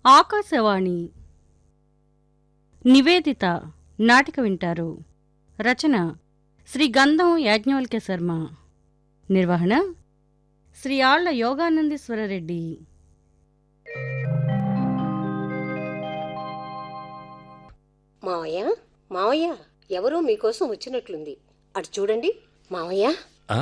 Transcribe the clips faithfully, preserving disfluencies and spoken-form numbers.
ఆకాశవాణి నివేదిత నాటిక వింటారు. రచన శ్రీ గంధం యాజ్ఞవల్క్య శర్మ. నిర్వహణ శ్రీ ఆళ్ల యోగానందీశ్వరరెడ్డి. మావయ్య మావయ్య ఎవరో మీకోసం వచ్చినట్లుంది. అటు చూడండి మావయ్య. ఆ?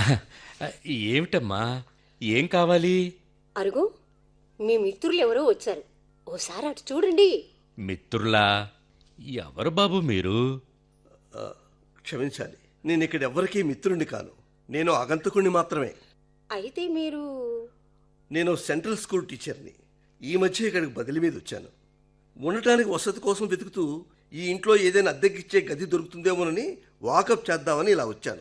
ఏమిటమ్మా, ఏం కావాలి? అరుగు, మీ మిత్రులు ఎవరో వచ్చారు. ఓసారి అటు చూడండి. మిత్రులా? ఎవరు బాబు మీరు? ఆ, క్షమించాలి, నేను ఇక్కడ ఎవ్వరికీ మిత్రుడిని కాను. నేను ఆగంతకుణ్ణి మాత్రమే. అయితే మీరు? నేను సెంట్రల్ స్కూల్ టీచర్ని. ఈ మధ్య ఇక్కడికి బదిలీ మీద వచ్చాను. ఉండటానికి వసతి కోసం వెతుకుతూ ఈ ఇంట్లో ఏదైనా అద్దెకిచ్చే గది దొరుకుతుందేమోనని వాకప్ చేద్దామని ఇలా వచ్చాను.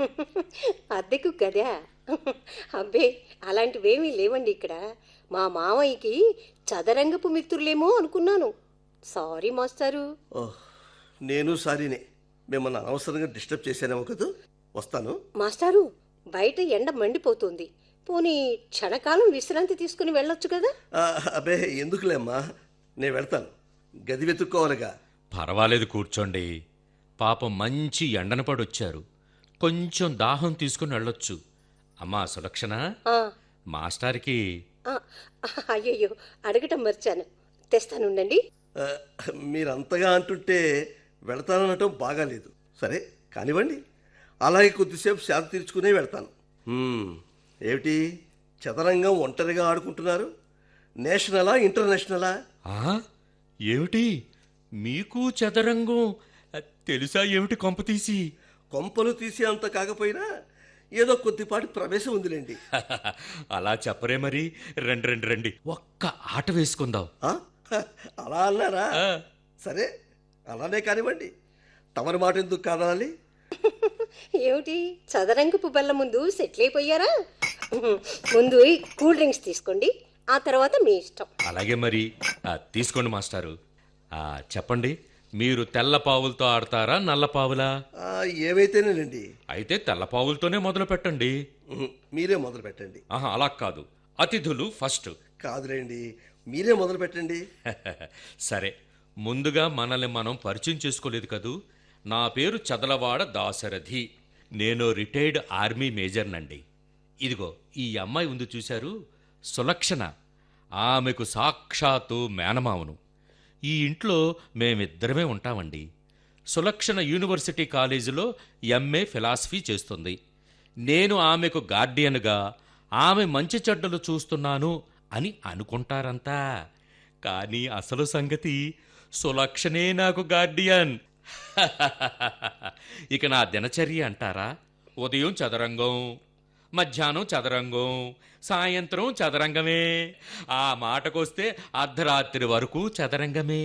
అద్దెకు గదా? అబ్బే, అలాంటివేమీ లేవండి ఇక్కడ. మా మావయ్యకి చదరంగపు మిత్రులేమో అనుకున్నాను. సారీ మాస్టారు. ఓహ్, నేను సారీనే. మిమ్మల్ని అనవసరంగా డిస్టర్బ్ చేశానేమో కదా. వస్తాను. మాస్టారు, బయట ఎండ మండిపోతుంది. పోనీ క్షణకాలం విశ్రాంతి తీసుకుని వెళ్ళొచ్చు కదా. ఆ, అబ్బే ఎందుకులేమ్మా, నేను వెళ్తాను. గది వెతుక్కోవాలిగా. పర్వాలేదు, కూర్చోండి. పాపం మంచి ఎండన పడొచ్చారు. కొంచెం దాహం తీసుకుని వెళ్ళొచ్చు. అమ్మా సులక్షణ, ఆ, మాస్టార్కి. ఆ, అయ్యయ్యో, అడగటం మర్చాను. తెస్తానుండండి. ఆ, మీరంతగా అంటుంటే వెళతాననటం బాగాలేదు. సరే కానివ్వండి, అలాగే కొద్దిసేపు శాంతి తీర్చుకునే వెళ్తాను. హ్మ్, ఏమిటి చదరంగం ఒంటరిగా ఆడుకుంటున్నారు? నేషనలా ఇంటర్నేషనలా? ఆ? ఏమిటి మీకు చదరంగం తెలుసా? ఏమిటి కొంపతీసి? కొంపలు తీసే అంత కాకపోయినా ఏదో కొద్దిపాటి ప్రవేశం ఉందిలేండి. అలా చెప్పరే మరి. రండి రండి రండి, ఒక్క ఆట వేసుకుందాం. ఆ? అలా అన్నారా? ఆ. సరే అలానే కానివ్వండి. తమరి మాట ఎందుకు కాదాలి? ఏమిటి చదరంగపు బల్ల ముందు సెటిల్ అయిపోయారా? ముందు ఈ కూల్ డ్రింక్స్ తీసుకోండి, ఆ తర్వాత మీ ఇష్టం. అలాగే మరి. ఆ, తీసుకోండి మాస్టారు. ఆ, చెప్పండి, మీరు తెల్ల పావులతో ఆడతారా, నల్ల పావులా? ఆ, ఏవైతేనేనండి. అయితే తెల్ల పావులతోనే మొదలు పెట్టండి. ఉహు, మీరే మొదలు పెట్టండి. ఆహా, అలా కాదు, అతిథులు ఫస్ట్. కాదులేండి, మీరే మొదలు పెట్టండి. సరే, ముందుగా మనల్ని మనం పరిచయం చేసుకోలేదు కదూ. నా పేరు చదలవాడ దాశరథి. నేను రిటైర్డ్ ఆర్మీ మేజర్నండి. ఇదిగో ఈ అమ్మాయి ఉంది చూశారు, సులక్షణ. ఆమెకు సాక్షాత్తు మేనమావను. ఈ ఇంట్లో మేమిద్దరమే ఉంటామండి. సులక్షణ యూనివర్సిటీ కాలేజీలో ఎంఏ ఫిలాసఫీ చేస్తుంది. నేను ఆమెకు గార్డియన్గా ఆమె మంచి చెడ్డలు చూస్తున్నాను అని అనుకుంటారంతా. కానీ అసలు సంగతి సులక్షణే నాకు గార్డియన్. ఇక నా దినచర్య అంటారా? ఉదయం చదరంగం, మధ్యాహ్నం చదరంగం, సాయంత్రం చదరంగమే. ఆ మాటకొస్తే అర్ధరాత్రి వరకు చదరంగమే.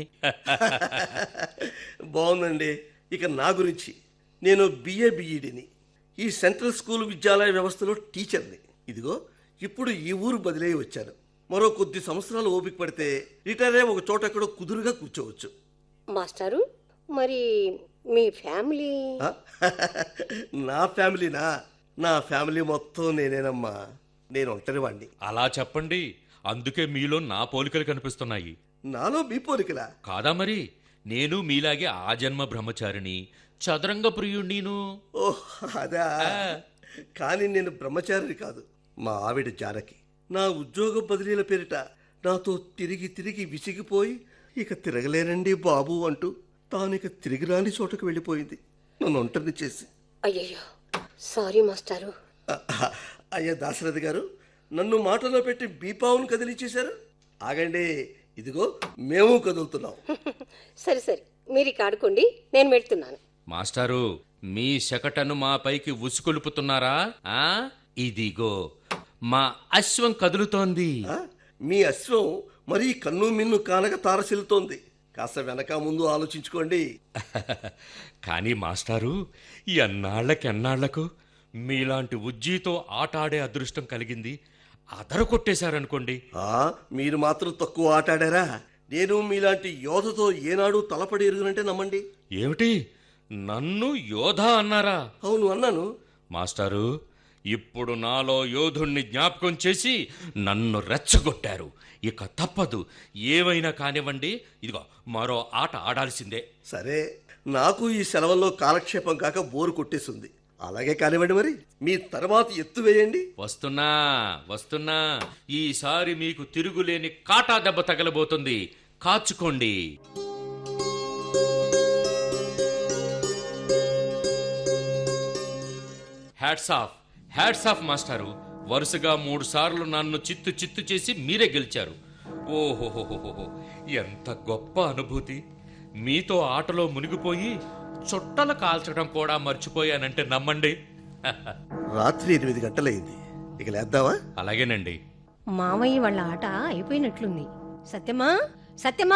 బాగుందండి. ఇక నా గురించి, నేను బిఏ బిఈడిని. ఈ సెంట్రల్ స్కూల్ విద్యాలయ వ్యవస్థలో టీచర్ని. ఇదిగో ఇప్పుడు ఈ ఊరు బదిలీ వచ్చాను. మరో కొద్ది సంవత్సరాలు ఓపిక పడితే రిటైర్ అయ్యి ఒక చోట ఎక్కడో కుదురుగా కూర్చోవచ్చు. మాస్టారు, మరి మీ ఫ్యామిలీ? ఆ? నా ఫ్యామిలీనా? నా ఫ్యామిలీ మొత్తం నేనేనమ్మా. నేను ఒంటరివాణ్ణి. అలా చెప్పండి, అందుకే మీలో నా పోలికలు కనిపిస్తున్నాయి. నాలో మీ పోలికలా? కాదా మరి? నేను మీలాగే ఆ జన్మ బ్రహ్మచారిని, చదరంగ ప్రియుణ్ణిను. ఓహ్ అదా. కానీ నేను బ్రహ్మచారిని కాదు. మా ఆవిడ జానకి నా ఉద్యోగ బదిలీల పేరిట నాతో తిరిగి తిరిగి విసిగిపోయి ఇక తిరగలేనండి బాబు అంటూ తానిక తిరిగి రాని చోటకు వెళ్ళిపోయింది, నన్ను ఒంటరిని చేసి. అయ్యయ్యో, సారీ మాస్టారు. అహ, అయ్యా దాశరథి గారు, నన్ను మాటలో పెట్టి బీపావును కదిలించేశారు. ఆగండి, ఇదిగో మేము కదులుతున్నాం. సరే సరే, మీరు ఇక ఆడుకోండి, నేను వెళ్తున్నాను. మాస్టారు, మీ శకటను మా పైకి ఉసుకొలుపుతున్నారా? ఆ? ఇదిగో మా అశ్వం కదులుతోంది. ఆ? మీ అశ్వం మరీ కన్ను మిన్ను కానక తారసిల్లుతోంది. కాస్త వెనక ముందు ఆలోచించుకోండి. కానీ మాస్టారు, ఎన్నాళ్లకెన్నాళ్లకు మీలాంటి ఉజ్జీతో ఆట ఆడే అదృష్టం కలిగింది. అదర కొట్టేశారనుకోండి. ఆ, మీరు మాత్రం తక్కువ ఆటాడారా? నేను మీలాంటి యోధతో ఏనాడు తలపడి ఎరుగునంటే నమ్మండి. ఏమిటి, నన్ను యోధ అన్నారా? అవును అన్నాను. మాస్టారు, ఇప్పుడు నాలో యోధుణ్ణి జ్ఞాపకం చేసి నన్ను రెచ్చగొట్టారు. ఇక తప్పదు, ఏవైనా కానివ్వండి, ఇదిగో మరో ఆట ఆడాల్సిందే. సరే, నాకు ఈ సెలవుల్లో కాలక్షేపం కాక బోరు కొట్టేస్తుంది. అలాగే కానివ్వండి, మరి మీ తర్వాత ఎత్తు వేయండి. వస్తున్నా వస్తున్నా ఈసారి మీకు తిరుగులేని కాటా దెబ్బ తగలబోతుంది, కాచుకోండి. హ్యాట్స్ ఆఫ్ హ్యాట్స్ ఆఫ్ మాస్టారు. వరుసగా మూడు సార్లు నన్ను చిత్తు చిత్తు చేసి మీరే గెలిచారు. ఓహోహోహోహో, ఎంత గొప్ప అనుభూతి. మీతో ఆటలో మునిగిపోయి చుట్టలు కాల్చడం కూడా మర్చిపోయానంటే నమ్మండి. రాత్రి ఎనిమిది గంటలైంది, ఇక లేద్దామా? అలాగేనండి. మామయ్య వాళ్ళ ఆట అయిపోయినట్లుంది. సత్యమా సత్యమా,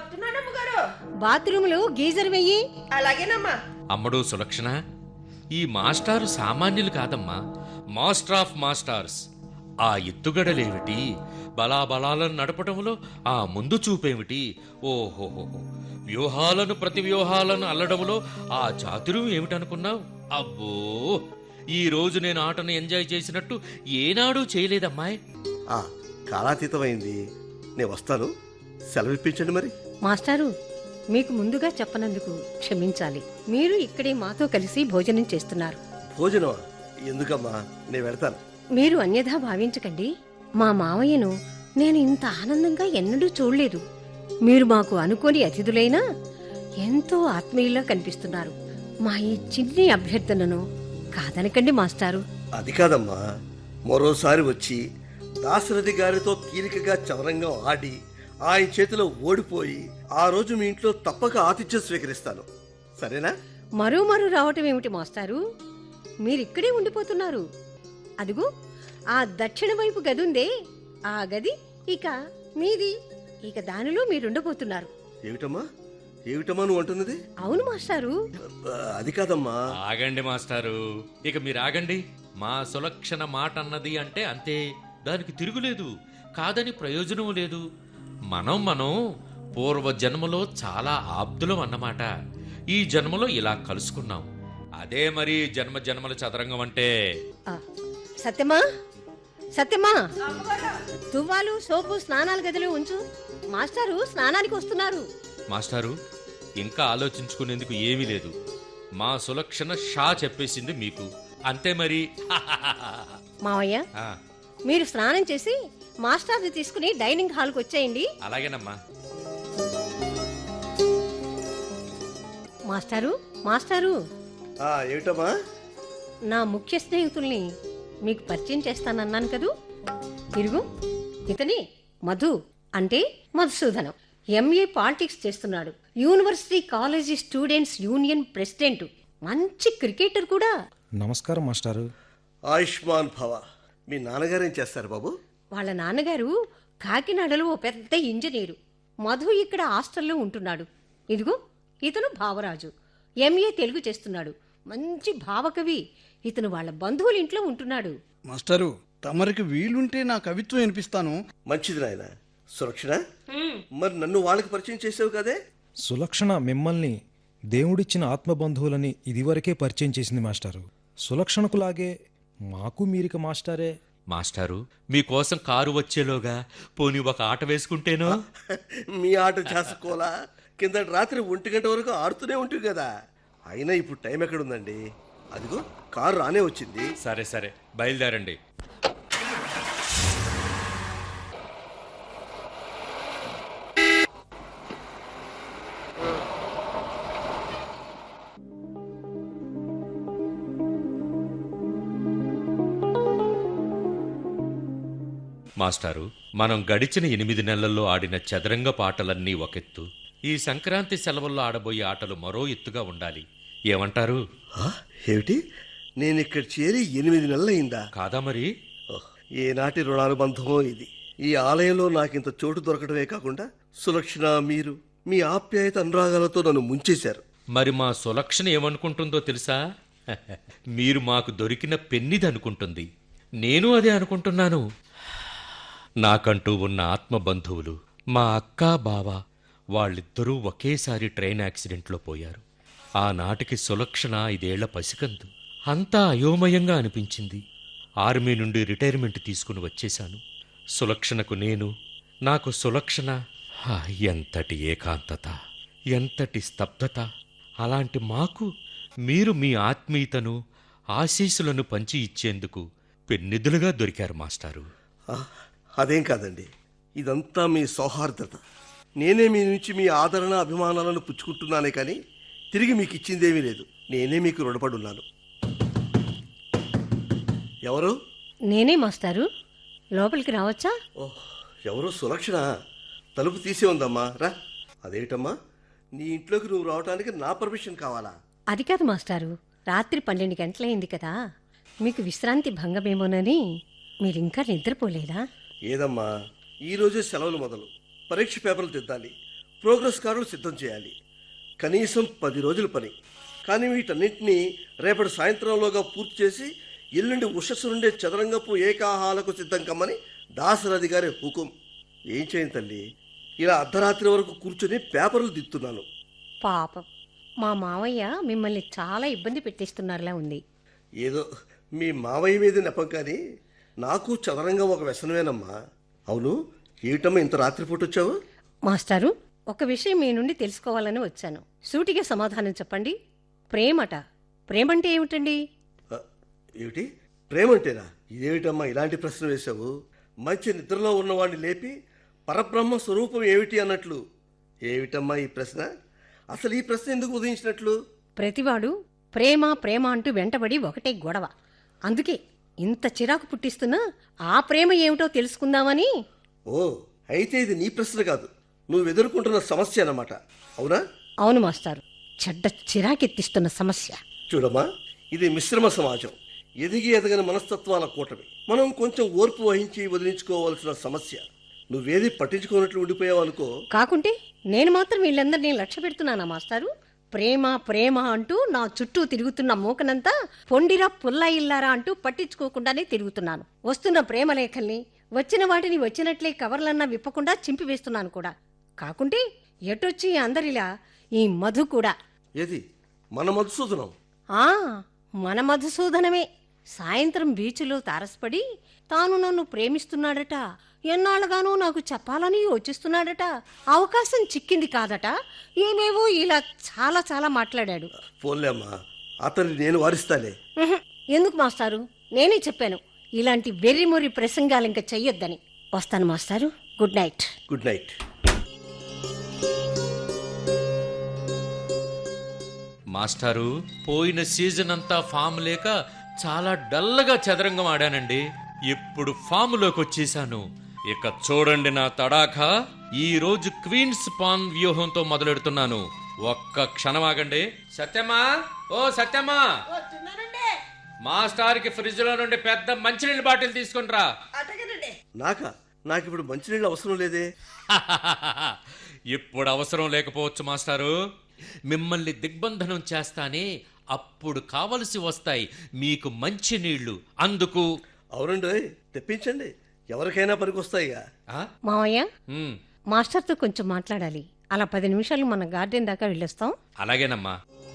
బాత్రూంలో గీజర్ వెయ్యి. అమ్మడు సులక్షణ, ఈ మాస్టారు సామాన్యులు కాదమ్మా, మాస్టర్ ఆఫ్ మాస్టార్స్. ఆ ఎత్తుగడలేమిటి, బలాబలాలను నడపడంలో ఆ ముందు చూపేమిటి, ఓహోహోహో, వ్యూహాలను ప్రతి వ్యూహాలను అల్లడంలో ఆ చాతుర్యం ఏమిటనుకున్నావు? అబ్బో, ఈ రోజు నేను ఆటను ఎంజాయ్ చేసినట్టు ఏనాడూ చేయలేదమ్మాయ్. ఆ కాలాతీతమైంది, నేను వస్తాను. సెలవిప్పించండి మరి. మాస్టారు, మీకు ముందుగా చెప్పనందుకు క్షమించాలి. మీరు ఇక్కడే మాతో కలిసి భోజనం చేస్తున్నారు. భోజనమా? ఎందుకమ్మా, నేను వెళ్తాను. మీరు అన్యథా భావించకండి. మా మావయ్యను నేను ఇంత ఆనందంగా ఎన్నడూ చూడలేదు. మీరు మాకు అనుకోని అతిథులైనా ఎంతో ఆత్మీయులా కనిపిస్తున్నారు. మా ఈ చిన్ని అభ్యర్థనను కాదనకండి మాస్టారు. అది కాదమ్మా, మరోసారి వచ్చి దాశరథి గారితో తీరికగా చవరంగా ఆడి ఆయన చేతిలో ఓడిపోయి ఆ రోజు మీ ఇంట్లో తప్పక ఆతిథ్యం స్వీకరిస్తాను. సరేనా? మరో మరో రావటం ఏమిటి మాస్టారు? మీరిక్కడే ఉండిపోతున్నారు. అదుగు ఆ దక్షిణ వైపు గదుందే, ఆ గది ఇక మీది. ఇక దానిలో మీరుండబోతున్నారు. ఏమిటమ్మా ఏమిటమ్మా నువ్వు అంటున్నది? అవును మాస్టారు. అది కాదమ్మా. ఆగండి మాస్టారు, ఇక మీరు ఆగండి. మా సులక్షణ మాట అన్నది అంటే అంతే, దానికి తిరుగులేదు, కాదని ప్రయోజనం లేదు. మనం మనం పూర్వ జన్మలో చాలా ఆప్తులం అన్నమాట. ఈ జన్మలో ఇలా కలుసుకున్నాం, అదే మరి జన్మ జన్మల చదరంగం అంటే. ఆ, సత్యమా సత్యమా, తువ్వాలు సోపు స్నానాల గదిలో ఉంచు. మాస్టారు స్నానానికి వస్తున్నారు. మాస్టారు, ఇంకా ఆలోచించుకునేందుకు ఏమీ లేదు. మా సులక్షణ షా చెప్పేసింది మీకు, అంతే మరి. మావయ్య, ఆ, మీరు స్నానం చేసి మాస్టర్ని తీసుకుని డైనింగ్ హాల్కి వచ్చేయండి. అలాగేనమ్మా. మాస్టారు మాస్టారు ఆ, ఏమిటమ్మా? నా ముఖ్య స్నేహితుల్ని మీకు పరిచయం చేస్తానన్నాను కదూ. ఇరుగు, ఇతని మధు, అంటే మధుసూదనం. ఎంఏ పాలిటిక్స్ చేస్తున్నాడు. University college students union president. మంచి క్రికెటర్ కూడా. నమస్కారం మాస్టారు. ఆయుష్మాన్ భవ. మీ నాన్నగారు ఏం చేస్తారు బాబు? వాళ్ళ నాన్నగారు కాకినాడలో ఓ పెద్ద ఇంజనీరు. మధు ఇక్కడ హాస్టల్లో ఉంటున్నాడు. ఇదిగో ఇతను భావరాజు, ఎంఏ తెలుగు చేస్తున్నాడు. మంచి భావకవి. ఇతను వాళ్ళ బంధువుల ఇంట్లో ఉంటున్నాడు. మాస్టరు, తమరికి వీలుంటే నా కవిత్వం వినిపిస్తాను. మంచిది నాయన. సురక్షణ, మరి నన్ను వాళ్ళకి పరిచయం చేసావు కదే? సులక్షణ మిమ్మల్ని దేవుడిచ్చిన ఆత్మబంధువులని ఇదివరకే పరిచయం చేసింది మాస్టారు. సులక్షణకులాగే మాకు మీరిక మాస్టారే. మాస్టారు, మీకోసం కారు వచ్చేలోగా పోనీ ఒక ఆట వేసుకుంటేనో? మీ ఆట చేసుకోలా? కిందటి రాత్రి ఒంటి గంట వరకు ఆడుతూనే ఉంటుంది కదా. అయినా ఇప్పుడు టైం ఎక్కడుందండి? అదిగో కారు రానే వచ్చింది. సరే సరే, బయలుదేరండి. మాస్టారు, మనం గడిచిన ఎనిమిది నెలల్లో ఆడిన చదరంగ పాటలన్నీ ఒకెత్తు, ఈ సంక్రాంతి సెలవుల్లో ఆడబోయే ఆటలు మరో ఎత్తుగా ఉండాలి. ఏమంటారు? ఆ, ఏమిటి, నేను ఇక్కడ చేరి ఎనిమిది నెలలయిందా? కాదా మరి? ఓహ్, ఏనాటి రుణానుబంధమో ఇది. ఈ ఆలయంలో నాకింత చోటు దొరకడమే కాకుండా సులక్షణ, మీరు మీ ఆప్యాయత అనురాగాలతో నన్ను ముంచేశారు. మరి మా సులక్షణ ఏమనుకుంటుందో తెలుసా? మీరు మాకు దొరికిన పెన్నిది అనుకుంటుంది. నేను అదే అనుకుంటున్నాను. నాకంటూ ఉన్న ఆత్మబంధువులు మా అక్క బావ, వాళ్ళిద్దరూ ఒకేసారి ట్రైన్ యాక్సిడెంట్లో పోయారు. ఆనాటికి సులక్షణ ఐదేళ్ల పసికందు. అంతా అయోమయంగా అనిపించింది. ఆర్మీ నుండి రిటైర్మెంట్ తీసుకుని వచ్చేశాను. సులక్షణకు నేను, నాకు సులక్షణ. హా, ఎంతటి ఏకాంతత, ఎంతటి స్తబ్దత! అలాంటి మాకు మీరు మీ ఆత్మీయతను, ఆశీస్సులను పంచి ఇచ్చేందుకు పెన్నిధులుగా దొరికారు మాస్టారు. ఆ, అదేం కాదండి, ఇదంతా మీ సౌహార్దత. నేనే మీ నుంచి మీ ఆదరణ అభిమానాలను పుచ్చుకుంటున్నానే కానీ తిరిగి మీకు ఇచ్చిందేమీ లేదు. నేనే మీకు రుణపడున్నాను. ఎవరు? నేనే మాస్టారు. లోపలికి రావచ్చా? ఓహ్, ఎవరు? సులక్షణ. తలుపు తీసే ఉందమ్మా, రా. అదేమిటమ్మా, నీ ఇంట్లోకి నువ్వు రావడానికి నా పర్మిషన్ కావాలా? అది కాదు మాస్టారు, రాత్రి పన్నెండు గంటలైంది కదా, మీకు విశ్రాంతి భంగమేమోనని. మీరింకా నిద్రపోలేదా? ఏదమ్మా, ఈరోజే సెలవులు మొదలు. పరీక్ష పేపర్లు దిద్దాలి, ప్రోగ్రెస్ కార్డులు సిద్ధం చేయాలి. కనీసం పది రోజుల పని. కానీ వీటన్నింటినీ రేపటి సాయంత్రంలోగా పూర్తి చేసి ఎల్లుండి ఉషస్సు నుండే చదరంగపు ఏకాహాలకు సిద్ధం కమ్మని దాసరథి గారి హుకుం. ఏం చేయను తల్లి, ఇలా అర్ధరాత్రి వరకు కూర్చొని పేపర్లు దిద్దుతున్నాను. పాపం, మా మావయ్య మిమ్మల్ని చాలా ఇబ్బంది పెట్టిస్తున్నారులా ఉంది. ఏదో మీ మావయ్య మీద నెపం, కానీ నాకు చదరంగం ఒక వ్యసనమేనమ్మా. అవును, ఏమిటమ్మా ఇంత రాత్రిపూట వచ్చావు? మాస్టారు, ఒక విషయం మీ నుండి తెలుసుకోవాలని వచ్చాను. సూటిగా సమాధానం చెప్పండి. ప్రేమట, ప్రేమంటే ఏమిటండి? ఆ, ఏమిటి ప్రేమంటేనా? ఇదేమిటమ్మా ఇలాంటి ప్రశ్న వేశావు? మంచి నిద్రలో ఉన్నవాడిని లేపి పరబ్రహ్మ స్వరూపం ఏమిటి అన్నట్లు. ఏమిటమ్మా ఈ ప్రశ్న? అసలు ఈ ప్రశ్న ఎందుకు ఉదయించినట్లు? ప్రతివాడు ప్రేమ ప్రేమ అంటూ వెంటబడి ఒకటే గొడవ. అందుకే ఇంత చిరాకు పుట్టిస్తున్నా ఆ ప్రేమ ఏమిటో తెలుసుకుందామని. ఓ, అయితే ఇది నీ ప్రశ్న కాదు, నువ్వు ఎదుర్కొంటున్న సమస్య అన్నమాట. అవునా? అవును మాస్టారు, చెడ్డ చిరాకెత్తిస్తున్న సమస్య. చూడమ్మా, ఇది మిశ్రమ సమాజం, ఎదిగి ఎదగని మనస్తత్వాల కూటమి. మనం కొంచెం ఓర్పు వహించి వదిలించుకోవాల్సిన సమస్య. నువ్వేది పట్టించుకోనట్లు ఉండిపోయావు అనుకో. కాకుంటే నేను మాత్రం వీళ్ళందరినీ లక్ష్య పెడుతున్నానా మాస్టారు? ప్రేమ ప్రేమ అంటూ నా చుట్టూ తిరుగుతున్న మూకనంతా పొండిరా పుల్ల ఇల్లారా అంటూ పట్టించుకోకుండానే తిరుగుతున్నాను. వస్తున్న ప్రేమ లేఖల్ని, వచ్చిన వాటిని వచ్చినట్లే కవర్లన్నా విప్పకుండా చింపివేస్తున్నాను కూడా. కాకుంటే ఎటొచ్చి అందరిలా ఈ మధు కూడా. ఏది మన మధుసూదనం? ఆ మన మధుసూదనమే. సాయంత్రం బీచ్లో తారసపడి తాను నన్ను ప్రేమిస్తున్నాడట, ఎన్నాళ్ళగానో నాకు చెప్పాలని యోచిస్తున్నాడట, అవకాశం చిక్కింది కాదట, ఏమేవో ఇలా చాలా చాలా మాట్లాడాడు. పోన్లే అమ్మా, అతన్ని నేను వారిస్తాలే. ఉహుం, ఎందుకు మాస్టారు? నేనే చెప్పాను ఇలాంటి వెర్రిమొర్రి ప్రసంగాలు ఇంకా చెయ్యొద్దని. వస్తాను మాస్టారు, గుడ్ నైట్. Good night. మాస్టారు, పోయిన సీజన్ అంతా ఫామ్ లేక చాలా డల్గా చదరంగం ఆడానండి. ఇప్పుడు ఫామ్లోకి వచ్చేసాను. ఇక చూడండి నా తడాఖా. ఈ రోజు క్వీన్స్ పాన్ వ్యూహంతో మొదలెడుతున్నాను. ఒక్క క్షణం ఆగండి. సత్యమా, ఓ సత్యమా, మాస్టర్ కి ఫ్రిడ్జ్ లో నుండి పెద్ద మంచినీళ్ళ బాటిల్ తీసుకునిరా. నాకా? నాకు ఇప్పుడు మంచినీళ్ళు అవసరం లేదే. ఇప్పుడు అవసరం లేకపోవచ్చు మాస్టారు. మిమ్మల్ని దిగ్బంధనం చేస్తానే, అప్పుడు కావలసి వస్తాయి మీకు మంచి నీళ్లు. అందుకు అవునండి, తెప్పించండి, ఎవరికైనా పనికొస్తాయిగా. ఆ? మావయ్య, ఉమ్, మాస్టర్తో కొంచెం మాట్లాడాలి. అలా పది నిమిషాలు మన గార్డెన్ దాకా వెళ్ళొస్తాం. అలాగేనమ్మా.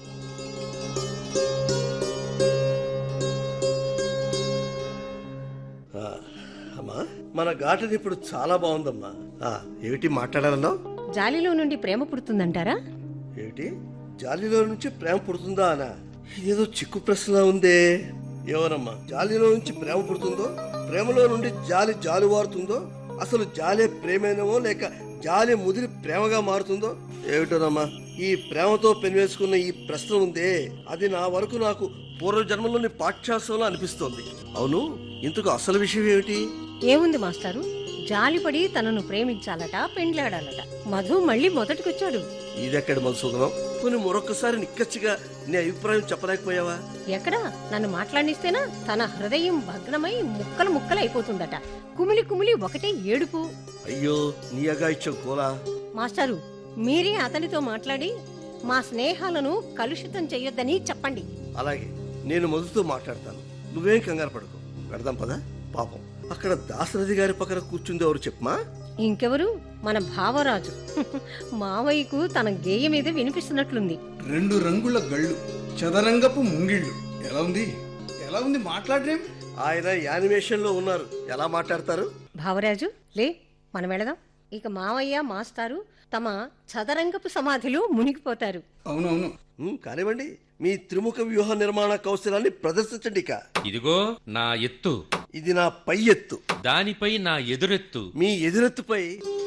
ఆ, అమ్మా, మన గార్డెన్ ఇప్పుడు చాలా బాగుందమ్మా. ఆ, ఏమిటి మాట్లాడాలన్నావు? జాలిలో నుండి ప్రేమ పుడుతుందంటారా? ఏమిటి జాలిలో నుంచి ప్రేమ పుడుతుందా అనా? ఇదేదో చిక్కు ప్రశ్నలా ఉందే. ఎవరమ్మా జాలిలో నుంచి ప్రేమ పుడుతుందో, ప్రేమలో నుండి జాలి జాలువారుతుందో, అసలు జాలే ప్రేమేనేమో లేక జాలి ముదిరి ప్రేమగా మారుతుందో ఏమిటోనమ్మా. ఈ ప్రేమతో పెనివేసుకున్న ఈ ప్రశ్న ఉందే, అది నా వరకు నాకు పూర్వజన్మలోని పాఠ్యాంశంలో అనిపిస్తోంది. అవును, ఇంతకు అసలు విషయం ఏమిటి? ఏముంది మాస్టారు, జాలిపడి తనను ప్రేమించాలట, పెండ్లాడాలట. మధు మళ్ళీ మొదటికొచ్చాడు. ఇదెక్కడి మధుసూదనం? కొన్ని మరొకసారి నిక్కచ్చిగా నీ అభిప్రాయం చెప్పలేకపోయావా? ఎక్కడా? నన్ను మాట్లాడిస్తేనా తన హృదయం భగ్నమై ముక్కలు ముక్కలు అయిపోతుందట. కుమిలి కుమిలి ఒకటే ఏడుపు. అయ్యో, నీ అగాయిత్యం కోలా. మాస్టారు, మీరే అతనితో మాట్లాడి మా స్నేహాలను కలుషితం చెయ్యొద్దని చెప్పండి. అలాగే, నేను మధుతో మాట్లాడతాను, నువ్వేం కంగారు పడకు. పెడదాం పదా. పాపం, అక్కడ దాశరథి గారి పక్కన కూర్చుంది ఎవరు చెప్పమా? ఇంకెవరు? మన భావరాజు. మావయ్యకు తన గేయ మీద వినిపిస్తున్నట్లుంది. రెండు రంగుల గళ్ళు, చదరంగపు ముంగిళ్ళు. ఎలా ఉంది ఎలా ఉంది మాట్లాడరేం? ఆయన యానిమేషన్లో ఉన్నారు, ఎలా మాట్లాడతారు? భావరాజు లే, మనం వెళదాం. ఇక మావయ్య మాస్టారు తమ చదరంగపు సమాధిలో మునిగిపోతారు. అవునవును. ఉమ్, కానివ్వండి, మీ త్రిముఖ వ్యూహ నిర్మాణ కౌశలాన్ని ప్రదర్శించండి. ఇక ఇదిగో నా ఎత్తు, ఇది నా పై ఎత్తు, దానిపై నా ఎదురెత్తు. మీ ఎదురెత్తుపై.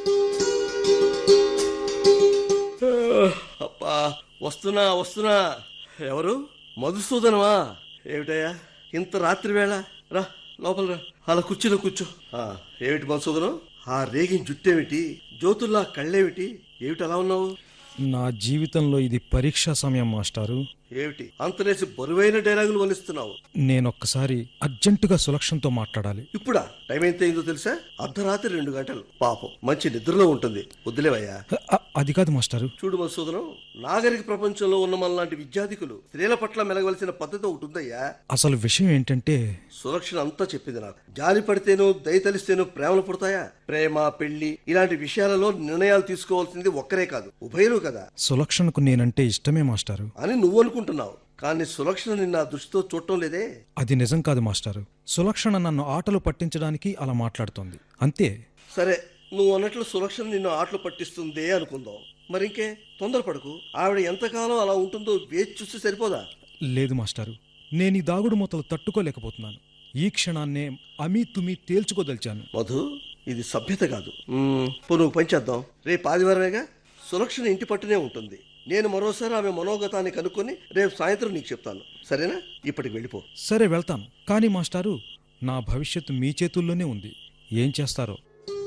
అబ్బా, వస్తున్నా వస్తున్నా. ఎవరు? మధుసూదనమా? ఏమిటయ్యా ఇంత రాత్రి వేళ? రా లోపల రా, అలా కూర్చుని కూర్చో. ఆ, ఏమిటి మధుసూదనం, ఆ రేగిన జుట్టేమిటి, జ్యోతుల్లా కళ్ళేమిటి, ఏమిటి అలా ఉన్నావు? నా జీవితంలో ఇది పరీక్షా సమయం మాస్టారు. ఏమిటి అంతనేసి బరువైన డైలాగులు వలిస్తున్నావు? నేనొక్కసారి అర్జెంటుగా సులక్షణతో మాట్లాడాలి. ఇప్పుడా? టైం ఎంత అయిందో తెలుసా? అర్ధరాత్రి రెండు గంటలు. పాపం మంచి నిద్రలో ఉంటుంది, వద్దులేవయ్యా. అ- అది కాదు మాస్టారు. చూడు మధుసూదనం, నాగరిక ప్రపంచంలో ఉన్న మనలాంటి విద్యార్థికులు స్త్రీల పట్ల మెలగవలసిన పద్ధతి ఒకటి ఉందయ్యా. అసలు విషయం ఏంటంటే, సులక్షణ అంతా చెప్పింది నాకు. జాలి పడితేనో దయ తలిస్తేనో ప్రేమలు పుడతాయా? ప్రేమ, పెళ్లి ఇలాంటి విషయాలలో నిర్ణయాలు తీసుకోవాల్సింది ఒక్కరే కాదు, ఉభయలు కదా. సులక్షణకు నేనంటే ఇష్టమే మాస్టారు. అని నువ్వు అనుకుంటున్నావు, కానీ సులక్షణ నిన్న ఆ దృష్టితో చూడటం లేదే. అది నిజం కాదు మాస్టారు. సులక్షణ నన్ను ఆటలు పట్టించడానికి అలా మాట్లాడుతోంది, అంతే. సరే, నువ్వు అన్నట్లు సులక్షణ నిన్ను ఆటలు పట్టిస్తుందే అనుకుందాం. మరింకే తొందరపడకు. ఆవిడ ఎంతకాలం అలా ఉంటుందో వేచి చూస్తే సరిపోదా? లేదు మాస్టారు, నేను ఈ దాగుడు మూతలు తట్టుకోలేకపోతున్నాను. ఈ క్షణాన్నే అమీ తుమి తేల్చుకోదలిచాను. మధు, ఇది సభ్యత కాదు. మ్మ్, పో నువ్వు పని చేద్దాం. రేపు ఆదివారమేగా, సులక్షణ ఇంటి పట్టునే ఉంటుంది. నేను మరోసారి ఆమె మనోగతాన్ని కనుక్కొని రేపు సాయంత్రం నీకు చెప్తాను, సరేనా? ఇప్పటికి వెళ్ళిపో. సరే వెళ్తాను, కానీ మాస్టారు నా భవిష్యత్తు మీ చేతుల్లోనే ఉంది. ఏం చేస్తారో.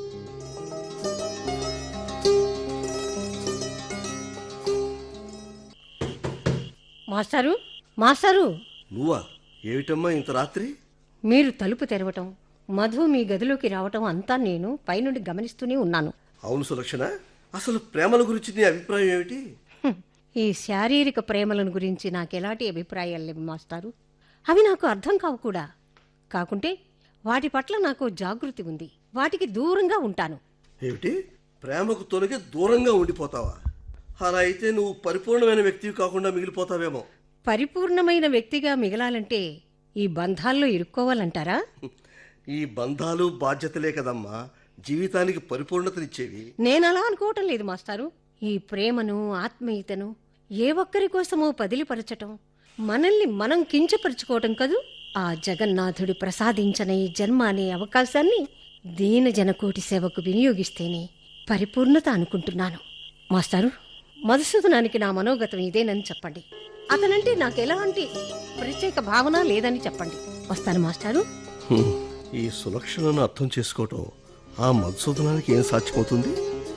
మాస్టారు మాస్టారు నువ్వా? ఏమిటమ్మా ఇంత రాత్రి? మీరు తలుపు తెరవటం, మధు మీ గదిలోకి రావటం అంతా నేను పైనుండి గమనిస్తూనే ఉన్నాను. అవును సులక్షణ, అసలు ప్రేమల గురించి నీ అభిప్రాయం ఏమిటి? హ్మ్. ఈ శారీరక ప్రేమలను గురించి నాకెలాంటి అభిప్రాయాలు లేవు మాస్టారు. అవి నాకు అర్థం కావు కూడా. కాకుంటే వాటి పట్ల నాకు జాగృతి ఉంది, వాటికి దూరంగా ఉంటాను. ఏమిటి, ప్రేమకు తొలగి దూరంగా ఉండిపోతావా? అలా అయితే నువ్వు పరిపూర్ణమైన వ్యక్తివి కాకుండా మిగిలిపోతావేమో. పరిపూర్ణమైన వ్యక్తిగా మిగలాలంటే ఈ బంధాల్లో ఇరుక్కోవాలంటారా? ఈ బంధాలు బాధ్యతలే కదమ్మా జీవితానికి పరిపూర్ణతనిచ్చేవి. నేనలా అనుకోవటం లేదు మాస్టారు. ఈ ప్రేమను, ఆత్మీయతను ఏ ఒక్కరి కోసమో పదిలిపరచటం, మనల్ని మనం కించపరుచుకోవటం కదూ. ఆ జగన్నాథుడు ప్రసాదించిన ఈ జన్మ అనే అవకాశాన్ని దీన జనకోటి సేవకు వినియోగిస్తేనే పరిపూర్ణత అనుకుంటున్నాను. మాస్టారు, మధుసూదనానికి నా మనోగతం ఇదేనని చెప్పండి. అతనంటే నాకు ఎలాంటి ప్రత్యేక భావన లేదని చెప్పండి. వస్తాను మాస్టారు. హ్మ్. ఈ సులక్షణను అర్థం చేసుకోవటం ఆ మధుసూదనానికి ఏం సాధ్యమవుతుంది?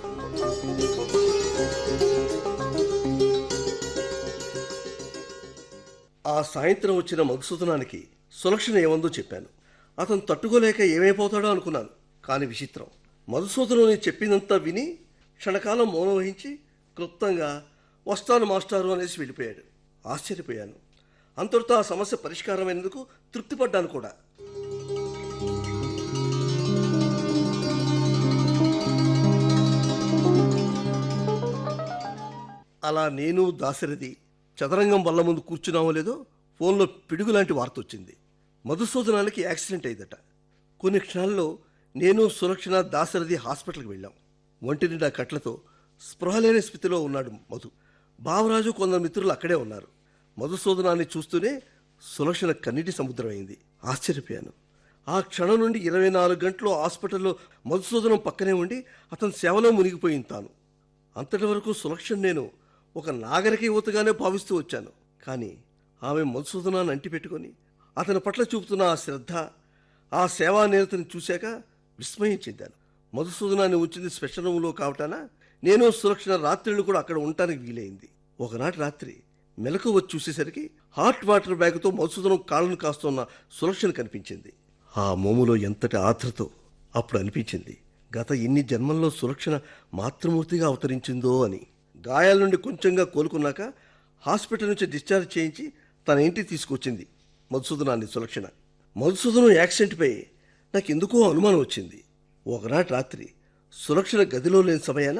ఆ సాయంత్రం వచ్చిన మధుసూదనానికి సులక్షణ ఏమందో చెప్పాను. అతను తట్టుకోలేక ఏమైపోతాడో అనుకున్నాను. కానీ విచిత్రం, మధుసూదనం చెప్పిందంతా విని క్షణకాలం మౌనం వహించి క్లుప్తంగా వస్తాను మాస్టారు అనేసి వెళ్ళిపోయాడు. ఆశ్చర్యపోయాను. అంతటితో ఆ సమస్య పరిష్కారమైనందుకు తృప్తిపడ్డాను కూడా. అలా నేను దాశరథి చదరంగం వల్ల ముందు కూర్చున్నామో లేదో ఫోన్లో పిడుగు లాంటి వార్త వచ్చింది. మధుసూదనానికి యాక్సిడెంట్ అయిందట. కొన్ని క్షణాల్లో నేను సులక్షణ దాశరథి హాస్పిటల్కి వెళ్ళాం. ఒంటి నిండా కట్లతో స్పృహ లేని స్థితిలో ఉన్నాడు మధు. బావరాజు కొందరు మిత్రులు అక్కడే ఉన్నారు. మధుసూదనాన్ని చూస్తూనే సులక్షణ కన్నీటి సముద్రం అయింది. ఆశ్చర్యపోయాను. ఆ క్షణం నుండి ఇరవై నాలుగు గంటలు హాస్పిటల్లో మధుసూదనం పక్కనే ఉండి అతని సేవలో మునిగిపోయింది తాను. అంతటి వరకు సులక్షణ నేను ఒక నాగరిక యువతగానే భావిస్తూ వచ్చాను. కానీ ఆమె మధుసూదనాన్ని అంటిపెట్టుకొని అతని పట్ల చూపుతున్న ఆ శ్రద్ధ, ఆ సేవా నిరతని చూశాక విస్మయం చెందాను. మధుసూదనాన్ని ఉంచింది స్పెషల్ రూమ్లో కావటాన నేను సులక్షణ రాత్రిళ్ళు కూడా అక్కడ ఉండటానికి వీలైంది. ఒకనాటి రాత్రి మెలకు వచ్చి చూసేసరికి హాట్ వాటర్ బ్యాగ్తో మధుసూదనం కాళ్ళను కాస్తున్న సులక్షణ కనిపించింది. ఆ మోములో ఎంతటి ఆత్రతో అప్పుడు అనిపించింది గత ఇన్ని జన్మల్లో సులక్షణ మాతృమూర్తిగా అవతరించిందో అని. గాయాల నుండి కొంచెంగా కోలుకున్నాక హాస్పిటల్ నుంచి డిశ్చార్జ్ చేయించి తన ఇంటికి తీసుకొచ్చింది మధుసూదనాన్ని సులక్షణ. మధుసూదనం యాక్సిడెంట్పై నాకు ఎందుకో అనుమానం వచ్చింది. ఒకనాటి రాత్రి సులక్షణ గదిలో లేని సమయాన,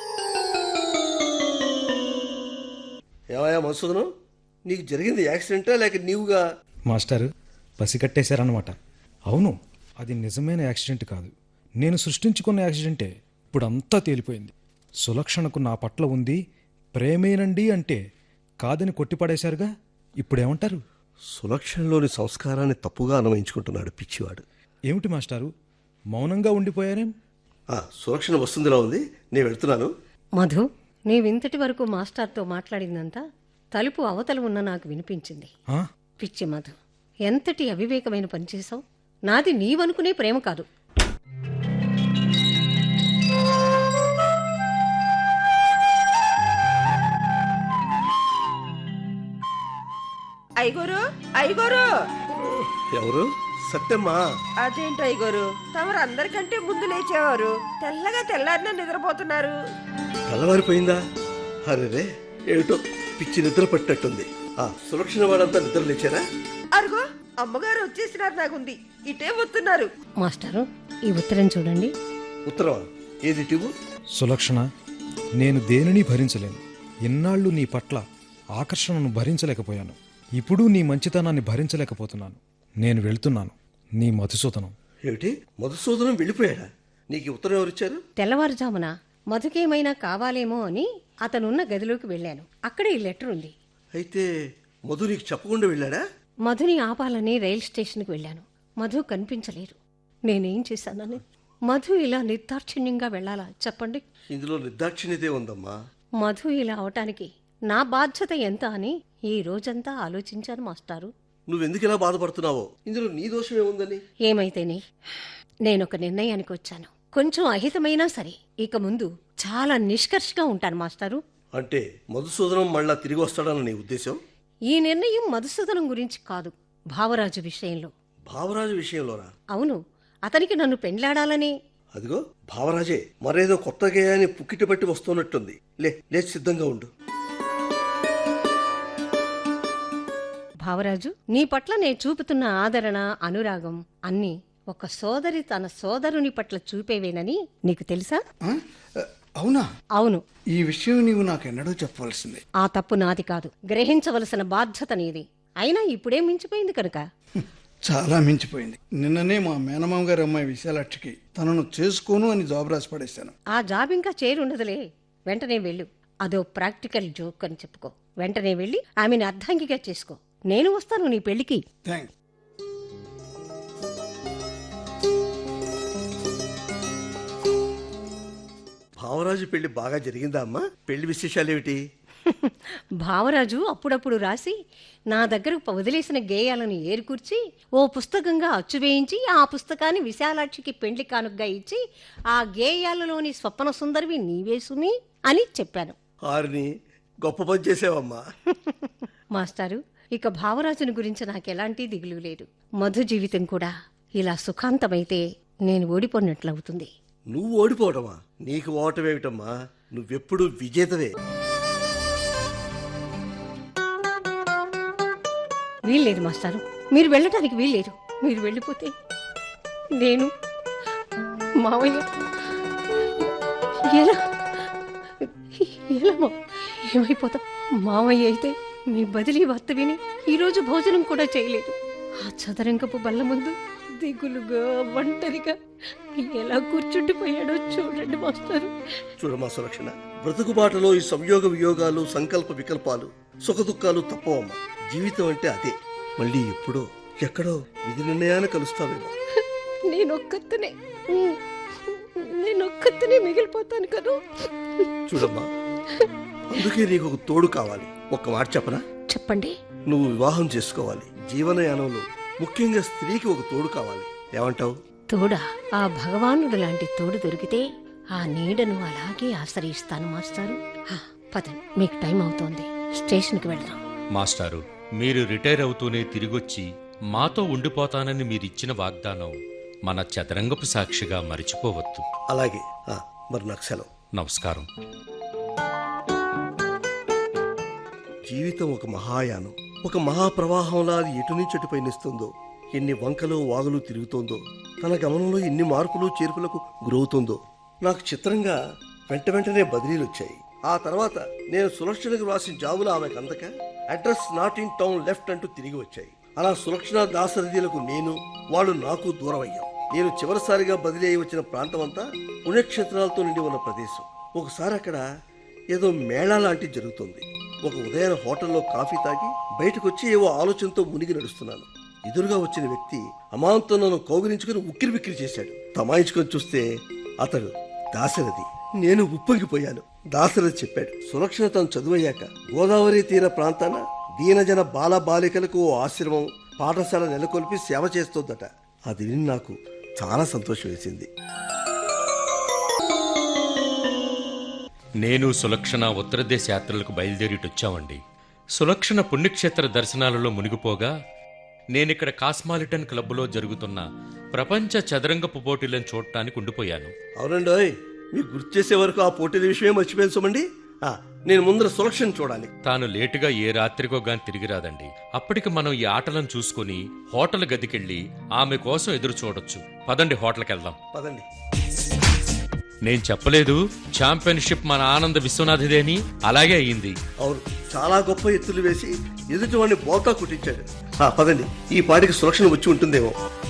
ఏమయ్యా మధుసూదనం, నీకు జరిగింది యాక్సిడెంటా లేక నీవుగా? మాస్టారు పసికట్టేశారన్నమాట. అవును, అది నిజమైన యాక్సిడెంట్ కాదు, నేను సృష్టించుకున్న యాక్సిడెంటే. ఇప్పుడు అంతా తేలిపోయింది. సులక్షణకు నా పట్ల ఉంది ప్రేమేనండి అంటే కాదని కొట్టిపడేశారుగా, ఇప్పుడేమంటారు? సులక్షణలోని సంస్కారాన్ని తప్పుగా అన్వయించుకుంటున్నాడు పిచ్చివాడు. ఏమిటి మాస్టారు, మౌనంగా ఉండిపోయారేం? ఆ, సులక్షణ వస్తుందిలా ఉంది, నేను వెళ్తున్నాను. మధు, నీవింతటి వరకు మాస్టర్తో మాట్లాడిందంతా తలుపు అవతల ఉన్న నాకు వినిపించింది. ఆ? పిచ్చి మధు, ఎంతటి అవివేకమైన పని చేశావు. నాది నీవనుకునే ప్రేమ కాదు. ఐగోరు ఐగోరు ఎవరు? సత్యమ్మా. అదేంటి ఐగోరు, తమరు అందరికంటే ముందు లేచేవారు, తెల్లగా తెల్లారిన నిద్రపోతున్నారు. తెల్లవారిపోయిందా? అరే ఏమిటో పిచ్చి నిద్ర పట్టినట్టుంది. ఆ సులక్షణ వాడంతా నిద్ర లేచారా? అరుగో అమ్మగారు వచ్చేసినారు, నాకుంది ఇటే వస్తున్నారు. మాస్టారు, ఈ ఉత్తరం చూడండి. ఉత్తరమా? ఏది టివు? సులక్షణ, నేను దేనిని భరించలేను. ఇన్నాళ్ళు నీ పట్ల ఆకర్షణను భరించలేకపోయాను. ఇప్పుడు నీ మంచితనాన్ని భరించలేకపోతున్నాను. నేను వెళ్తున్నాను. నీ మధుసూదనం. ఏమిటి, మధుసూదనం వెళ్ళిపోయాడా? నీకు ఈ ఉత్తరం ఎవరిచ్చారు? తెల్లవారుజామున మధుకేమైనా కావాలేమో అని అతనున్న గదిలోకి వెళ్ళాను. అక్కడ ఈ లెటర్ ఉంది. అయితే మధు నీకు చెప్పకుండా వెళ్ళాడా? మధుని ఆపాలని రైల్ స్టేషన్కి వెళ్ళాను. మధు కనిపించలేదు. నేనేం చేశానని? మధు ఇలా నిర్దాక్షిణ్యంగా వెళ్ళాలా చెప్పండి? ఇందులో నిర్దాక్షిణ్యతే ఉందమ్మా. మధు ఇలా అవటానికి నా బాధ్యత ఎంత అని ఈ రోజంతా ఆలోచించాను మాస్టారు. నువ్వెందుకు ఇలా బాధపడుతున్నావో? ఇందులో నీ దోషం ఏముందని? ఏమైతేనే నేనొక నిర్ణయానికి వచ్చాను. కొంచెం అహితమైనా సరే ఇక ముందు చాలా నిష్కర్షగా ఉంటాను మాస్టారు. అంటే మధుసూదనం మళ్ళా తిరిగి వస్తాడన్న నీ ఉద్దేశం? ఈ నిర్ణయం మధుసూదనం గురించి కాదు, భావరాజు విషయంలో. భావరాజు విషయంలోనా? అవును, అతనికి నన్ను పెండ్లాడాలని. అదిగో భావరాజే మరేదో కొత్త గేయాన్ని పుక్కిటి పట్టి వస్తున్నట్టుంది. లే లేచి సిద్ధంగా ఉండు. భావరాజు, నీ పట్ల నేను చూపుతున్న ఆదరణ, అనురాగం అన్నీ ఒక సోదరి తన సోదరుని పట్ల చూపేవేనని నీకు తెలుసా? ఆ? అవునా? అవును. ఈ విషయం నీవు నాకెన్నడూ చెప్పవలసింది. ఆ తప్పు నాది కాదు, గ్రహించవలసిన బాధ్యత నీది. అయినా ఇప్పుడే మించిపోయింది కనుక. చాలా మించిపోయింది. నిన్ననే మా మేనమామ గారి అమ్మాయి విశాలాక్షికి తనను చేసుకోను అని జాబ్ రాసి పడేశాను. ఆ జాబ్ ఇంకా చేరుండదులే. వెంటనే వెళ్ళు. అదో ప్రాక్టికల్ జోక్ అని చెప్పుకో. వెంటనే వెళ్ళి ఆమెను అర్ధాంగిగా చేసుకో. నేను వస్తాను నీ పెళ్లికి. థ్యాంక్స్. భావరాజు పెళ్లి బాగా జరిగిందా అమ్మా? పెళ్లి విశేషాలేమిటి? భావరాజు అప్పుడప్పుడు రాసి నా దగ్గరకు వదిలేసిన గేయాలను ఏరుకూర్చి ఓ పుస్తకంగా అచ్చువేయించి ఆ పుస్తకాన్ని విశాలాక్షికి పెండ్లి కానుగ్గా ఇచ్చి ఆ గేయాలలోని స్వప్న సుందరివి నీవే సుమి అని చెప్పాను. ఆరిని గొప్ప పని చేసావమ్మా. మాస్టారు, ఇక భావరాజుని గురించి నాకెలాంటి దిగులు లేదు. మధు జీవితం కూడా ఇలా సుఖాంతమైతే నేను ఓడిపోయినట్లవుతుంది. నువ్వు ఓడిపోవటమా? నీకు ఓటమేమిటమ్మా, నువ్వెప్పుడు విజేతవే. వీల్లేదు మాస్టారు, మీరు వెళ్ళటానికి వీల్లేదు. మీరు వెళ్ళిపోతే నేను మావయ్య ఎలా ఎలా మా- ఏమైపోతాం? మావయ్య అయితే మీ బదిలీ వార్త విని ఈరోజు భోజనం కూడా చేయలేదు. ఆ చదరంగపు బల్ల ముందు దిగులుగా ఒంటరిగా ఎలా కూర్చుండిపోయాడో చూడండి మాస్టారు. చూడమ్మా సులక్షణ, బ్రతుకుబాటలో ఈ సంయోగ వియోగాలు, సంకల్ప వికల్పాలు, సుఖదుఖాలు తప్పవమ్మా. జీవితం అంటే అదే. మళ్ళీ ఎప్పుడో ఎక్కడో విధి నిర్ణయాన్ని కలుస్తావేమో. నేనొక్కతనే నేనొక్కతనే మిగిలిపోతాను కదా. చూడమ్మా, అందుకే నీకు ఒక తోడు కావాలి. ఒక్క మాట చెప్పనా? చెప్పండి. నువ్వు వివాహం చేసుకోవాలి. జీవనయానంలో ముఖ్యంగా స్త్రీకి ఒక తోడు కావాలి. ఏమంటావు? తోడా? ఆ భగవానుడు లాంటి తోడు దొరికితే ఆ నీడను అలాగే ఆశ్రయిస్తాను మాస్టారు. హా, పదండి, మీకు టైం అవుతోంది. స్టేషన్కి వెళ్దాం. మాస్టారు, మీరు రిటైర్ అవుతూనే తిరిగొచ్చి మాతో ఉండిపోతానని మీరిచ్చిన వాగ్దానం మన చదరంగపు సాక్షిగా మరిచిపోవద్దు. అలాగే. ఆ, మరి నాకు సెలవు. నమస్కారం. జీవితం ఒక మహాయానం, ఒక మహాప్రవాహంలా అది ఎటు నుంచి అటు పయనిస్తుందో, ఎన్ని వంకలు వాగులు తిరుగుతోందో, తన గమనంలో ఎన్ని మార్పులు చేర్పులకు గురవుతుందో. నాకు చిత్రంగా వెంట వెంటనే బదిలీలు వచ్చాయి. ఆ తర్వాత నేను సులక్షణకు రాసిన జాబులు ఆమెకు అందక address not in town left అంటూ తిరిగి వచ్చాయి. అలా సులక్షణ దాసరథీలకు నేను వాళ్ళు నాకు దూరం అయ్యాం. నేను చివరిసారిగా బదిలీ అయి వచ్చిన ప్రాంతం అంతా పుణ్యక్షేత్రాలతో నిండి ఉన్న ప్రదేశం. ఒకసారి అక్కడ ఏదో మేళా లాంటి జరుగుతుంది. ఒక ఉదయాన హోటల్లో కాఫీ తాగి బయటకు వచ్చి ఏవో ఆలోచనతో మునిగి నడుస్తున్నాను. ఎదురుగా వచ్చిన వ్యక్తి అమాంతం నన్ను కౌగిలించుకుని ఉక్కిరి బిక్కిరి చేశాడు. తమాయించుకొని చూస్తే అతడు దాశరథి. నేను ఉప్పొంగిపోయాను. దాశరథి చెప్పాడు, సులక్షణ తను చదువయ్యాక గోదావరి తీర ప్రాంతాన దీనజన బాల బాలికలకు ఓ ఆశ్రమం పాఠశాల నెలకొల్పి సేవ చేస్తోందట. అది విని నాకు చాలా సంతోషం వేసింది. నేను సులక్షణ ఉత్తర దేశ యాత్రలకు బయలుదేరిటొచ్చామండి. సులక్షణ పుణ్యక్షేత్ర దర్శనాలలో మునిగిపోగా నేనిక్కడ కాస్మాలిటన్ క్లబ్లో జరుగుతున్న ప్రపంచ చదరంగపు పోటీలను చూడటానికి ఉండిపోయాను. అవునండోయ్, మీకు గుర్తు చేసే వరకు ఆ పోటీల విషయమే మర్చిపోయాను సుమండి. ఆ, నేను ముందర సులక్షణ చూడాలి. తాను లేటుగా ఏ రాత్రికో గాని తిరిగి రాదండి. అప్పటికి మనం ఈ ఆటలను చూసుకుని హోటల్ గదికెళ్ళి ఆమె కోసం ఎదురు చూడొచ్చు. పదండి, హోటల్కి వెళ్దాం. పదండి. నేను చెప్పలేదు ఛాంపియన్షిప్ మన ఆనంద విశ్వనాథిదే అని? అలాగే అయ్యింది. అవును, చాలా గొప్ప ఎత్తులు వేసి ఎదుటి వాడిని బోల్తా కుట్టించాడు. ఆ, పదండి, ఈ పాటికి సులక్షణ వచ్చి ఉంటుందేమో.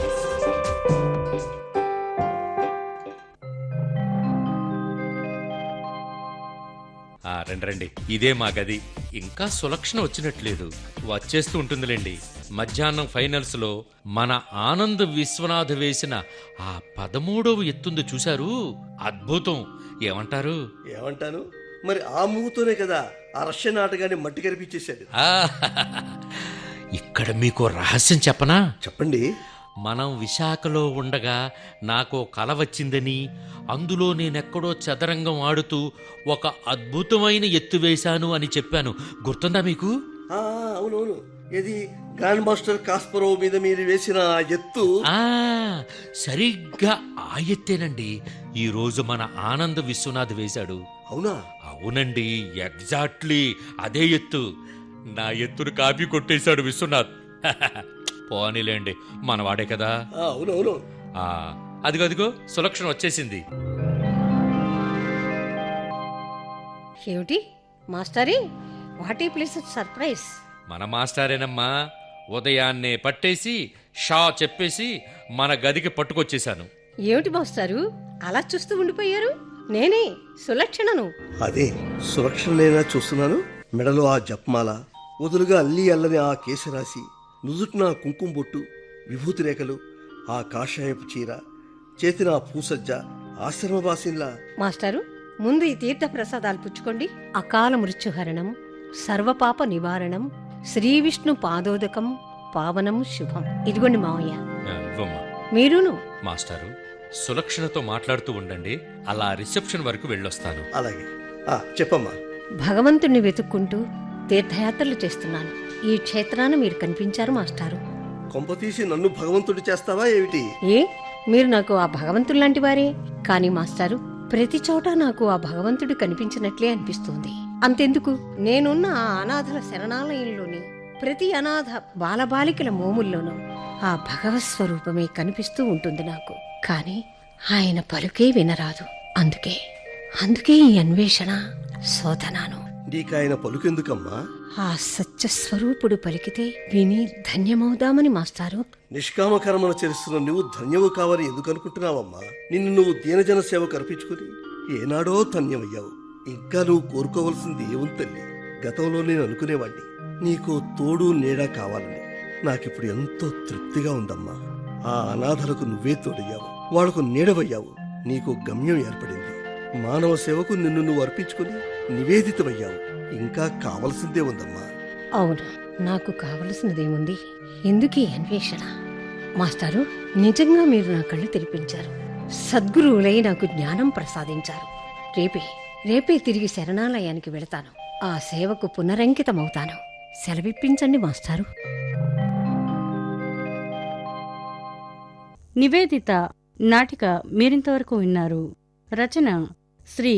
ఆ రండి రండి, ఇదే మా గది. ఇంకా సులక్షణ వచ్చినట్లేదు. వచ్చేస్తూ ఉంటుందిలేండి. మధ్యాహ్నం ఫైనల్స్ లో మన ఆనంద్ విశ్వనాథ్ వేసిన ఆ పదమూడవ ఎత్తుంది చూశారు? అద్భుతం. ఏమంటారు? ఏమంటాను మరి, ఆ మూతోనే కదా ఆ రష్యన్ ఆటగాన్ని మట్టి కనిపించేశాడు. ఆ, ఇక్కడ మీకు రహస్యం చెప్పనా? చెప్పండి. మనం విశాఖలో ఉండగా నాకు కల వచ్చిందని, అందులో నేనెక్కడో చదరంగం ఆడుతూ ఒక అద్భుతమైన ఎత్తు వేశాను అని చెప్పాను. గుర్తుందా మీకు? ఆ, అవునవును. ఏది గ్రాండ్ మాస్టర్ కాస్పరోవ్ మీద మీరు వేసిన ఆ ఎత్తు? ఆ సరిగ్గా ఆ ఎత్తేనండి ఈ రోజు మన ఆనంద్ విశ్వనాథ్ వేశాడు. అవునా? అవునండి, ఎగ్జాక్ట్లీ అదే ఎత్తు. నా ఎత్తును కాపీ కొట్టేశాడు విశ్వనాథ్. పోనీలేండి, మనవాడే కదా. ఆ, అవునవును. ఆ అదిగో అదిగో సులక్షణ వచ్చేసింది. ఏమిటి మాస్టరీ, వాట్ ఈ ప్లేస్ సర్ప్రైజ్? మన మాస్టారేనమ్మా. ఉదయాన్నే పట్టేసి షా చెప్పేసి మన గదికి పట్టుకొచ్చేశాను. ఏమిటి మాస్టారు అలా చూస్తూ ఉండిపోయారు? నేనే సులక్షణను. అదే సులక్షణనేనా చూస్తున్నాను. మెడలో ఆ జపమాల, వదులుగా అల్లి అల్లని ఆ కేశరాశి, నుదుటిన కుంకుమ బొట్టు, విభూతి రేఖలు, ఆ కాషాయపు చీర, చేతిన ఆ పూసజ్జ, ఆశ్రమవాసిన్లా. మాస్టారు, ముందు ఈ తీర్థ ప్రసాదాలు పుచ్చుకోండి. అకాల మృత్యుహరణం, సర్వపాప నివారణం, శ్రీ విష్ణు పాదోదకం, పావనం శుభం. ఇదిగోండి మావయ్య. ఆ, ఇవ్వమ్మా. మీరును. మాస్టారు, సులక్షణతో మాట్లాడుతూ ఉండండి, అలా రిసెప్షన్ వరకు వెళ్ళొస్తాను. అలాగే. ఆ, చెప్పమ్మా. భగవంతుణ్ణి వెతుక్కుంటూ తీర్థయాత్రలు చేస్తున్నాను. ఈ క్షేత్రాన మీరు కనిపించారు మాస్టారు. కొంపతీసి నన్ను భగవంతుడు చేస్తావా ఏమిటి? ఏ, మీరు నాకు ఆ భగవంతుడు లాంటి వారే. కానీ మాస్టారు, ప్రతి చోట నాకు ఆ భగవంతుడు కనిపించినట్లే అనిపిస్తుంది. అంతెందుకు, నేనున్న ఆ అనాథల శరణాలయంలోని ప్రతి అనాథ బాలబాలికల మోముల్లోనూ ఆ భగవత్ స్వరూపమే కనిపిస్తూ ఉంటుంది నాకు. కానీ ఆయన పలుకే వినరాదు. అందుకే అందుకే ఈ అన్వేషణ, శోధనాను. నీకాయన పలుకెందుకమ్మా? ఆ సత్యస్వరూపుడు పలికితే విని ధన్యమవుదామని మాస్టారు. నిష్కామ కర్మను చేస్తున్న నువ్వు ధన్యవు కావని ఎందుకు అనుకుంటున్నావమ్మా? నిన్ను నువ్వు దీనజన సేవకు అర్పించుకుని ఏనాడో ధన్యమయ్యావు. ఇంకా నువ్వు కోరుకోవలసింది ఏముంది తల్లి? గతంలో నేను అనుకునేవాణ్ణి నీకు తోడు నీడ కావాలని. నాకిప్పుడు ఎంతో తృప్తిగా ఉందమ్మా. ఆ అనాథలకు నువ్వే తోడయ్యావు, వాళ్లకు నీడవయ్యావు. నీకు గమ్యం ఏర్పడింది. మానవ సేవకు నిన్ను నువ్వు అర్పించుకుని నివేదితమయ్యావు. ఇంకా కావలసిందే ఉందమ్మా. అవును, నాకు కావలసినదేముంది? ఎందుకీ అన్వేషణ? మాస్టారు, నిజంగా మీరు నా కళ్ళు తెరిపించారు. సద్గురువులై నాకు జ్ఞానం ప్రసాదించారు. రేపే రేపే తిరిగి శరణాలయానికి వెళతాను. ఆ సేవకు పునరంకితమవుతాను. సెలవిప్పించండి మాస్టారు. నివేదిత నాటిక మీరింతవరకు విన్నారు. రచన శ్రీ